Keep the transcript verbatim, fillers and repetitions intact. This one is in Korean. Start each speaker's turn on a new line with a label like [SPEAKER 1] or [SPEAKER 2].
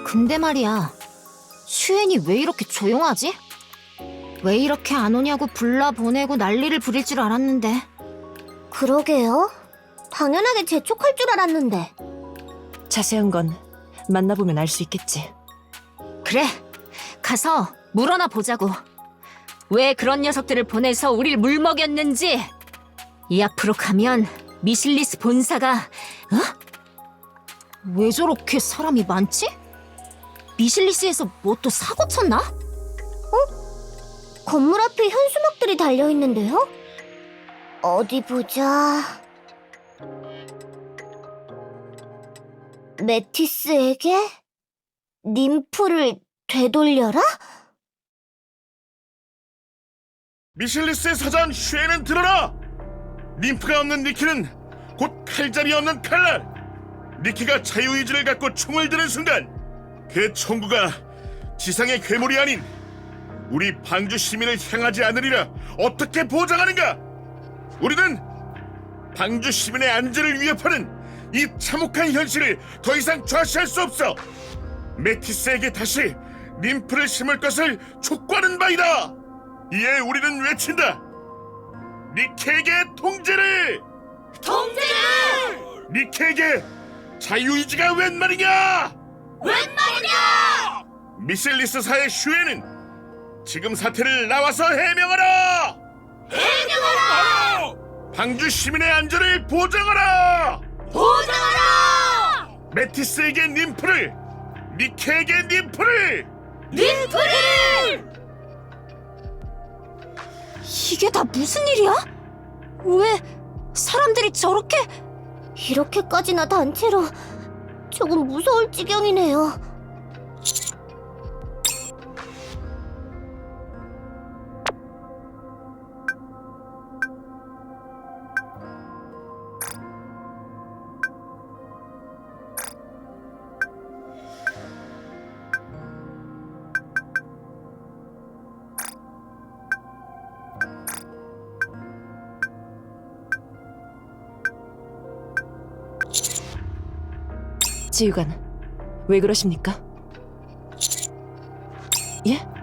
[SPEAKER 1] 근데 말이야, 슈엔이 왜 이렇게 조용하지? 왜 이렇게 안 오냐고 불러보내고 난리를 부릴 줄 알았는데.
[SPEAKER 2] 그러게요. 당연하게 재촉할 줄 알았는데.
[SPEAKER 3] 자세한 건 만나보면 알 수 있겠지.
[SPEAKER 1] 그래, 가서 물어나 보자고. 왜 그런 녀석들을 보내서 우릴 물먹였는지. 이 앞으로 가면 미실리스 본사가, 어? 왜 저렇게 사람이 많지? 미실리스에서 뭐 또 사고 쳤나?
[SPEAKER 2] 건물 앞에 현수막들이 달려있는데요? 어디 보자... 메티스에게 님프를 되돌려라?
[SPEAKER 4] 미실리스의 사장 슈에는 들어라! 님프가 없는 니키는 곧 칼잡이 없는 칼날! 니키가 자유의지를 갖고 총을 드는 순간 그 총구가 지상의 괴물이 아닌 우리 방주 시민을 향하지 않으리라 어떻게 보장하는가? 우리는 방주 시민의 안전을 위협하는 이 참혹한 현실을 더 이상 좌시할 수 없어! 메티스에게 다시 님프를 심을 것을 촉구하는 바이다! 이에 우리는 외친다! 니케에게 통제를!
[SPEAKER 2] 통제를!
[SPEAKER 4] 니케에게 자유의지가 웬 말이냐!
[SPEAKER 2] 웬 말이냐!
[SPEAKER 4] 미실리스사의 슈에는 지금 사태를 나와서 해명하라!
[SPEAKER 2] 해명하라!
[SPEAKER 4] 방주 시민의 안전을 보장하라!
[SPEAKER 2] 보장하라!
[SPEAKER 4] 메티스에게 님프를! 니케에게 님프를!
[SPEAKER 2] 님프를!
[SPEAKER 1] 이게 다 무슨 일이야? 왜 사람들이 저렇게...
[SPEAKER 2] 이렇게까지나 단체로 조금 무서울 지경이네요.
[SPEAKER 3] 지휘관, 왜 그러십니까? 예?